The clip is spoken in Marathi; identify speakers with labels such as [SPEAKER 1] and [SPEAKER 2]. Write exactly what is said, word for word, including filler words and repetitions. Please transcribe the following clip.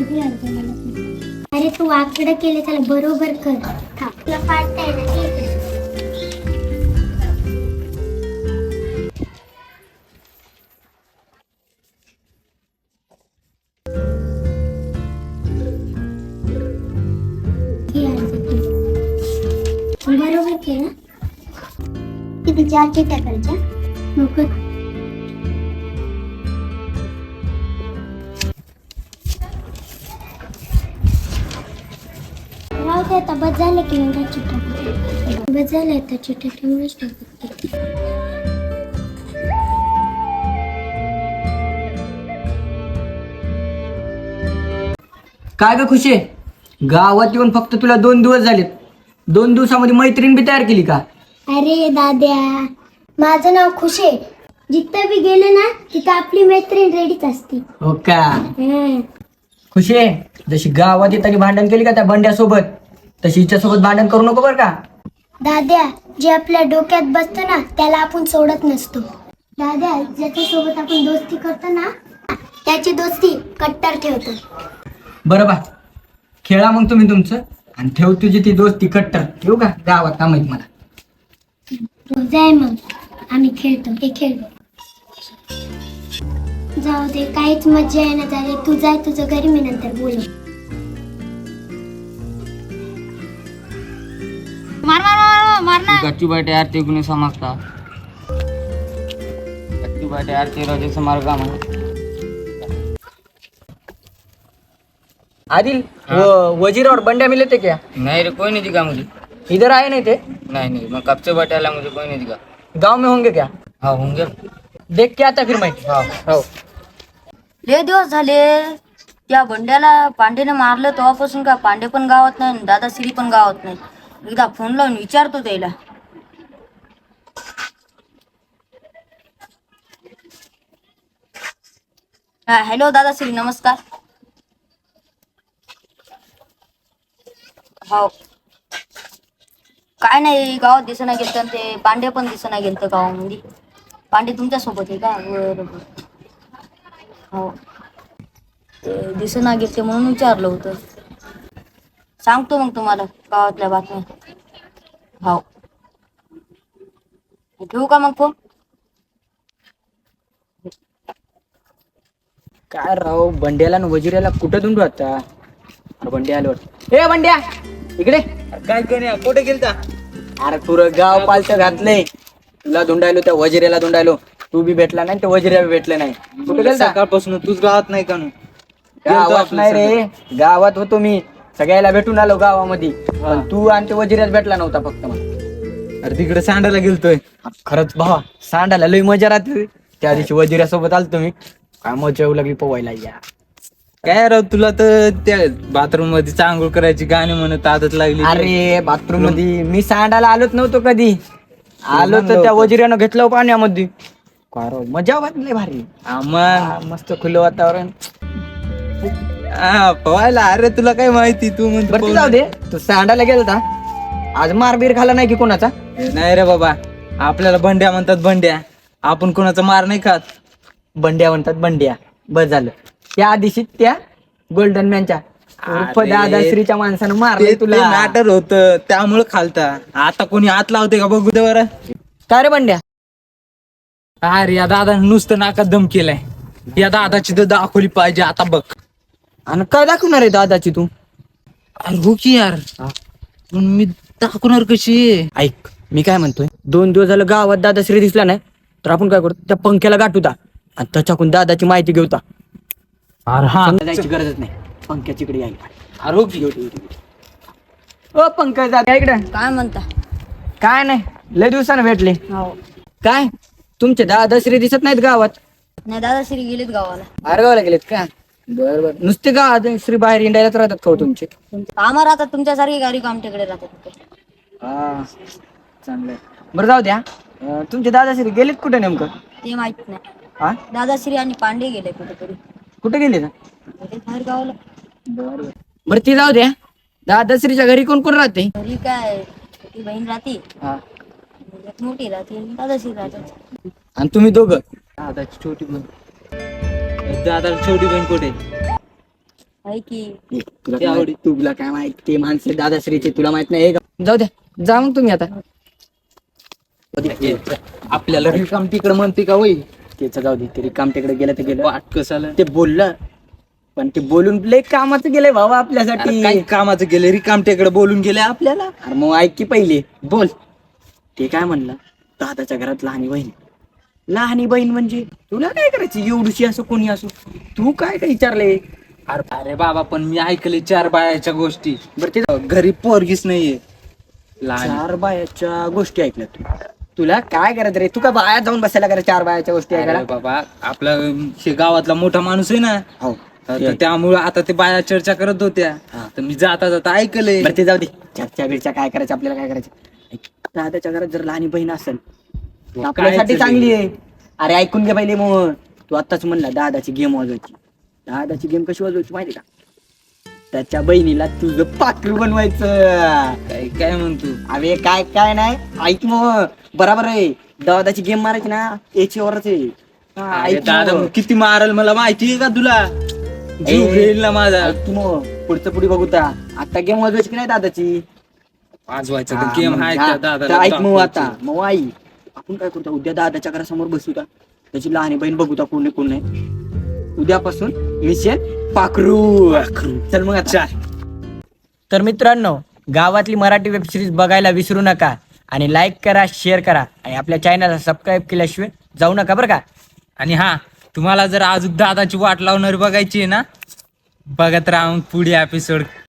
[SPEAKER 1] अरे तू वाकडं केले त्याला बरोबर कर. तुला फाटताय ना ते. बरोबर केलं. किती चार चिट्ट्या करायच्या नको. राहू दे आता. बस झालं की एवढ्या चिट्ट्या. बस झालं आता. चिट्ट्या ठेवूनच टाकत.
[SPEAKER 2] काय ग खुशी, गावात येऊन फक्त तुला दोन दिवस झालेत. दोन दिवसामध्ये मैत्रीण बी तयार केली का?
[SPEAKER 1] अरे दाद्या, माझं नाव खुशे. जिथं बी गेले ना तिथं आपली मैत्रीण रेडीच असते.
[SPEAKER 2] हो का?
[SPEAKER 1] हम्म.
[SPEAKER 2] खुशी, जशी गावात येताना भांडण केली का त्या बंड्यासोबत, तशी हिच्यासोबत भांडण करू नको बरं का?
[SPEAKER 1] दाद्या, जे आपल्या डोक्यात बसतं ना त्याला आपण सोडत नसतो. दाद्या, ज्याच्या सोबत आपण दोस्ती करतो ना त्याची दोस्ती कट्टर ठेवतो.
[SPEAKER 2] बरं बा, खेळा मग तुम्ही तुमचं आणि ठेव तुझी ती दोस्ती कट्टर. ठेवू का? गावात काम आहेत मला.
[SPEAKER 1] जाय मग, आम्ही खेळतो. हे खेळतो. जाऊ दे, काहीच मज्जा येणं झाली. तू जाय तुझं घरी, मी नंतर बोलू.
[SPEAKER 3] मार मार मार मार ना.
[SPEAKER 4] गच्ची बैठे आरती गुने समजता. गच्ची बैठे आरती रोजे समार का म्हणा.
[SPEAKER 2] आदिल, वो वजीर और बंड्या मिले थे क्या?
[SPEAKER 4] नहीं रे, कोई नहीं दिखा मुझे.
[SPEAKER 2] इधर आए नहीं थे?
[SPEAKER 4] नहीं नहीं, मैं कब से बैठा ला, मुझे कोई नहीं दिखा.
[SPEAKER 2] गांव में होंगे क्या?
[SPEAKER 4] हाँ होंगे.
[SPEAKER 2] देख के आता फिर मैं.
[SPEAKER 4] हाँ.
[SPEAKER 2] हो.
[SPEAKER 3] लय दिवस झाले त्या बंड्याला पांडेने मारलं तेव्हापासून का पांडे पण गावात नाही, दादा श्री पण गावात नाही. एकदा फोन लावून विचारतो त्याला. हा हॅलो दादा श्री, नमस्कार. हो, काय नाही, गावात दिसना गेलं ते पांडे पण दिसना गेलं गावामध्ये. पांडे तुमच्या सोबत आहे का? बरोबर. हो, ते दिसना गेले म्हणून विचारलं होतं. सांगतो मग तुम्हाला गावातल्या बातम्या. हो, ठेवू का मग फोन?
[SPEAKER 2] काय राव, बंड्याला आणि वजिराला कुठं धुंडू आता? अरे बंड्या आलो. ए बंड्या, इकडे.
[SPEAKER 4] काय करूया, कुठे गेलता?
[SPEAKER 2] अरे पुरं गाव पालचं घातलंय. तुला धुंडायलो, त्या वजिरेला धुंडायलो. तू बी भेटला नाही, त्या वजिरा बी भेटलं नाही. कुठे गेलता?
[SPEAKER 4] सकाळपासून तूच गावात नाही का?
[SPEAKER 2] गावात नाही रे, गावात होतो मी. सगळ्याला भेटून आलो गावामध्ये. पण तू आणि ते वजिरात भेटला नव्हता फक्त मला.
[SPEAKER 4] अरे तिकडे सांडायला गेलतोय.
[SPEAKER 2] खरंच भावा, सांडायला लई मजा राहते. त्या दिवशी वजिरासोबत आलतो मी. काय मजा येऊ लागली पोवायला. या
[SPEAKER 4] काय राव, तुला तर त्या बाथरूम मध्ये चांगूळ करायची गाणी म्हणत आदत लागली.
[SPEAKER 2] अरे बाथरूम मध्ये मी सांडायला आलोच नव्हतो कधी. आलो तर त्या वजिरानं घेतलं पाण्यामध्ये. काय राव, मजा वाटली भारी.
[SPEAKER 4] मग
[SPEAKER 2] मस्त खुलं वातावरण.
[SPEAKER 4] हा पवायला. अरे तुला काय माहिती, तू
[SPEAKER 2] बरं ते
[SPEAKER 4] म्हणतो
[SPEAKER 2] जाऊ दे, तू सांडायला गेलता. आज मार बीर खाला नाही की कोणाचा?
[SPEAKER 4] नाही रे बाबा, आपल्याला बंड्या म्हणतात बंड्या. आपण कोणाचा मार नाही खात.
[SPEAKER 2] बंड्या म्हणतात बंड्या. बस झालं. त्या दिवशी त्या गोल्डन मॅनच्या उर्फ
[SPEAKER 4] अरे,
[SPEAKER 2] दादाश्रीच्या माणसानं
[SPEAKER 4] ते
[SPEAKER 2] मारले तुला.
[SPEAKER 4] मॅटर होत, त्यामुळे खालता. आता कोणी हात लावते का बघू दे बरं.
[SPEAKER 2] काय रे बंड्या?
[SPEAKER 4] अरे या दादा नुसतं नाकात दम केलाय. या दादाची तर दाखवली पाहिजे आता बघ.
[SPEAKER 2] आणि काय दाखवणार आहे दादाची तू?
[SPEAKER 4] अरे हो की यार, पण मी दाखवणार कशी?
[SPEAKER 2] ऐक, मी काय म्हणतोय, दोन दिवस झालं गावात दादाश्री दिसला नाही तर आपण काय करतो, त्या पंख्याला गाठूता आणि त्याच्याकडून दादाची माहिती घेऊता.
[SPEAKER 4] अरे हा,
[SPEAKER 2] जायची गरजच नाही. पंख्याची इकडे यायला.
[SPEAKER 4] अरे हो की.
[SPEAKER 2] ओ पंकज दादा इकडे.
[SPEAKER 3] काय म्हणता?
[SPEAKER 2] काय नाही, लय दिवसानं भेटले.
[SPEAKER 3] हो,
[SPEAKER 2] काय तुमचे दादाश्री दिसत नाहीत गावात?
[SPEAKER 3] नाही दादा श्री गेलेत गावाला.
[SPEAKER 2] बाहेर गावाला गेलेत का? बर बर. नुसते गावात श्री बाहेर इंडायलाच राहतात का हो तुमचे?
[SPEAKER 3] कामं राहतात तुमच्यासारखी, गाडी आमच्याकडे राहतात तिथे.
[SPEAKER 2] हा, चांगलंय. बरं जाऊ द्या. अं, तुमचे दादाश्री गेलेत कुठे नेमकं?
[SPEAKER 3] ते माहित नाही.
[SPEAKER 2] हा,
[SPEAKER 3] दादाश्री आणि पांडे गेले कुठेतरी.
[SPEAKER 2] कुठे गेले?
[SPEAKER 3] गेले बाहेर गावाला.
[SPEAKER 2] बरं ती जाऊ द्या. दादाश्रीच्या घरी कोण कोण राहते?
[SPEAKER 3] घरी काय, छोटी बहीण राहते,
[SPEAKER 2] हा.
[SPEAKER 3] एक मोठी राहते, दादाश्री राहतात.
[SPEAKER 2] आणि तुम्ही दोघं?
[SPEAKER 4] दादाची छोटी बहीण. दादाची छोटी बहीण कुठे?
[SPEAKER 3] आहे की
[SPEAKER 2] तुला काय माहिती? तुला काय माहिती ते माणसं दादाश्रीचे तुला माहित नाही हे का? जाऊ द्या जा मग तुम्ही आता
[SPEAKER 4] आपल्याला रिकाम तिकडे म्हणते का वय
[SPEAKER 2] त्याचं जाऊ दे तरी काम तिकडे गेलं तर गेलं
[SPEAKER 4] वाट कसाला
[SPEAKER 2] ते बोललं पण ते बोलून लय कामाचं गेलंय भावा आपल्यासाठी
[SPEAKER 4] अरे काय कामाचं गेले रिकाम तिकडे बोलून गेले आपल्याला.
[SPEAKER 2] अरे मग ऐक की पहिले बोल ते काय म्हणलं दादाच्या घरात लहानी बहीण लहानी बहीण म्हणजे तुला काय करायची एवढीशी असो कोणी असो तू काय काय विचारले
[SPEAKER 4] अरे अरे बाबा पण मी ऐकले चार बायाच्या गोष्टी.
[SPEAKER 2] बरं ते
[SPEAKER 4] घरी पोरगीच नाहीये लहान.
[SPEAKER 2] चार बायाच्या गोष्टी ऐकल्या तू तुला काय करायचं रे तू काय बाया जाऊन बसायला करा चार बायाच्या गोष्टी
[SPEAKER 4] अरे
[SPEAKER 2] ऐकायला
[SPEAKER 4] बाबा आपला हे गावातला मोठा माणूस आहे ना
[SPEAKER 2] हो
[SPEAKER 4] तर त्यामुळे आता ते बाया चर्चा करत होत्या
[SPEAKER 2] हा.
[SPEAKER 4] तर मी जाता जाता ऐकले.
[SPEAKER 2] बरं ते जाऊ दे चर्चा बिरच्या काय करायचं आपल्याला काय करायचं ऐक, दादाच्या घरात जर लहानी बहीण असेल तर
[SPEAKER 4] काय
[SPEAKER 2] आपल्यासाठी
[SPEAKER 4] ते?
[SPEAKER 2] चांगली आहे. अरे ऐकून घे पहिले मग तू आत्ताच म्हणला दादाची गेम वाजवायची दादाची गेम कशी वाजवायची माहिती का त्याच्या बहिणीला तुझं पाखरू बनवायचं
[SPEAKER 4] काय काय म्हणतो.
[SPEAKER 2] अरे काय काय नाही ऐक मग बराबर आहे दादाची गेम मारायची ना याच्यावरच आहे हा,
[SPEAKER 4] अरे
[SPEAKER 2] ऐक
[SPEAKER 4] दादा
[SPEAKER 2] मग.
[SPEAKER 4] मग किती मारल मला माहिती आहे का तुला जीव
[SPEAKER 2] ए,
[SPEAKER 4] घेईल ना माझा.
[SPEAKER 2] ऐक मग पुढचं पुढे बघू ता आता गेम वाजवायची की नाही दादाची
[SPEAKER 4] वाजवायचा
[SPEAKER 2] हा,
[SPEAKER 4] गेम
[SPEAKER 2] मग
[SPEAKER 4] आहे
[SPEAKER 2] हा,
[SPEAKER 4] त्या
[SPEAKER 2] तर
[SPEAKER 4] दादाला
[SPEAKER 2] ऐक मग आता
[SPEAKER 4] दाखवायचं.
[SPEAKER 2] मग आई आपण काय करतो उद्या दादाच्या घरासमोर बसू का त्याची लहानी बहीण बघू का कोण नाही कोण नाही उद्यापासून मिशन पाखरू चल मग अच्छा. तर मित्रांनो गावातली मराठी वेब सिरीज बघायला विसरू नका आणि लाईक करा शेअर करा आणि आपल्या चॅनलला सबस्क्राईब केल्याशिवाय जाऊ नका बरं का.
[SPEAKER 4] आणि हा तुम्हाला जर अजून दादाची वाट लावणारी बघायची आहे ना बघत राहा मग पुढे एपिसोड